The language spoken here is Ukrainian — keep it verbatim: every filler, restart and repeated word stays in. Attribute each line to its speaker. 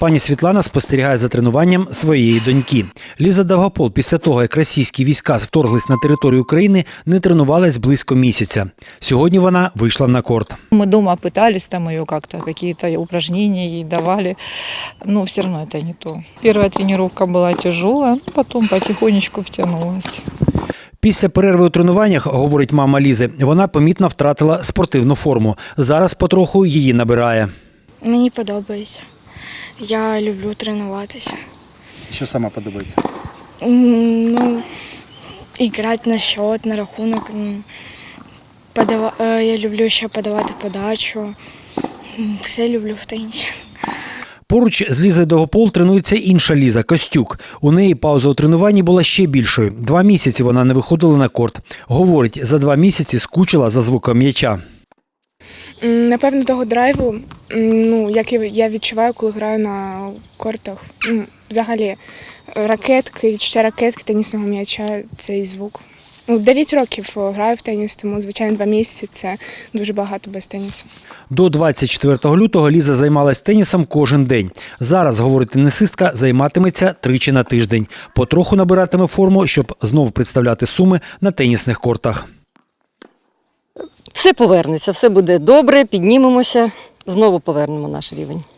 Speaker 1: Пані Світлана спостерігає за тренуванням своєї доньки. Ліза Довгопол після того, як російські війська вторглись на територію України, не тренувалась близько місяця. Сьогодні вона вийшла на корт.
Speaker 2: Мы дома пытались там ее как-то, какие-то упражнения ей давали, но все равно это не то. Первая тренировка была тяжелая, потом потихонечку втянулась.
Speaker 1: Після перерви у тренуваннях, говорить мама Лізи, вона помітно втратила спортивну форму. Зараз потроху її набирає.
Speaker 3: Мені подобається. Я люблю тренуватися.
Speaker 1: Що сама подобається?
Speaker 3: М, Ну, грати на счет, на рахунок. М, подава- е, Я люблю ще подавати подачу. М, Все люблю в тенісі.
Speaker 1: Поруч з Лізою Довгопол тренується інша Ліза – Костюк. У неї пауза у тренуванні була ще більшою. Два місяці вона не виходила на корт. Говорить, за два місяці скучила за звуком м'яча.
Speaker 4: М, Напевно, того драйву, м, ну, який я відчуваю, коли граю на кортах. М, Взагалі, ракетки, відчуття ракетки, тенісного м'яча – цей звук. Ну, дев'ять років граю в теніс, тому, звичайно, два місяці – це дуже багато без тенісу.
Speaker 1: До двадцять четвертого лютого Ліза займалась тенісом кожен день. Зараз, говорить тенісистка, займатиметься тричі на тиждень. Потроху набиратиме форму, щоб знову представляти Суми на тенісних кортах.
Speaker 5: Все повернеться, все буде добре, піднімемося, знову повернемо наш рівень.